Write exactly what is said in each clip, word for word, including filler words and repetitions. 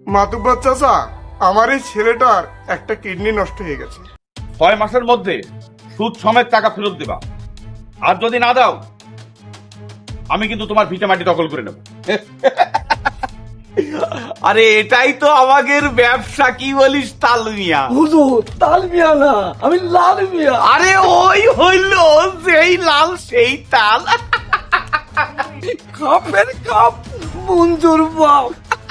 মাতুব্বর চাচা, আমার এই ছেলেটার একটা কিডনি নষ্ট হয়ে গেছে। ছয় মাসের মধ্যে সুদ সমেত টাকা ফেরত দেবা, আর যদি না দাও আমি কিন্তু তোমার ভিটে মাটি দখল করে নেব। আরে এটাই তো আমাদের ব্যবসা, কি বলিস তাল মিয়া? হুজুর তাল মিয়া না, আমি লাল মিয়া। আরে ওই হইল সেই লাল সেই তাল। কাপের কাপ মঞ্জুর বাপ।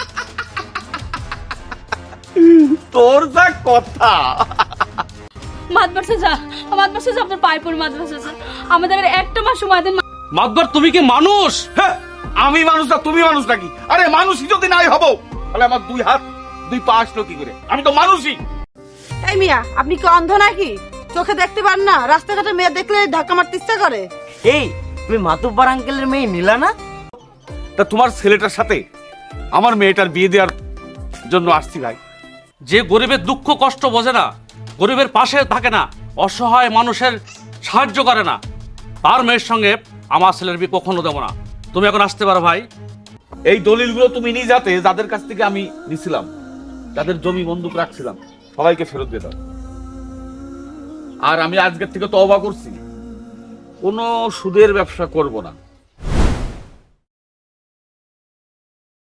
তোর যা কথা। মাদবাসে যা, মাদবাসে যা, আপনার পায়ে পড়ে মাদবাসে যা, আমাদের আর একটা মাস সময় দেন। মাতবার তুমি কি মানুষ? হ্যাঁ, আমি মানুষ না তুমি মানুষ নাকি? আরে মানুষই যদি নাই হবো তাহলে আমার দুই হাত দুই পা আসলো কি করে? আমি তো মানুষই। এই মিয়া, আপনি কি অন্ধ নাকি? চোখে দেখতে পান না? রাস্তাঘাটে মেয়ে দেখলে ধাক্কা মারতে ইচ্ছা করে। এই তুমি মাতুব্বার আঙ্কেলের মেয়ে নীলা না? তা তোমার ছেলেটার সাথে আমার মেয়েটার বিয়ে দেওয়ার জন্য আসছি ভাই। যে গরিবের দুঃখ কষ্ট বোঝে না, গরিবের পাশে থাকে না, অসহায় মানুষের সাহায্য করে না, তার মেয়ের সঙ্গে আমার ছেলের বিয়ে কখনো দেবো না। তুমি এখন আসতে পারো ভাই। এই দলিলগুলো তুমি নিয়ে যাতে যাদের কাছ থেকে আমি নিছিলাম, যাদের জমি বন্দুক রাখছিলাম, সবাইকে ফেরত দিয়ে দাও। আর আমি আজকের থেকে তওবা করছি, কোনো সুদের ব্যবসা করব না।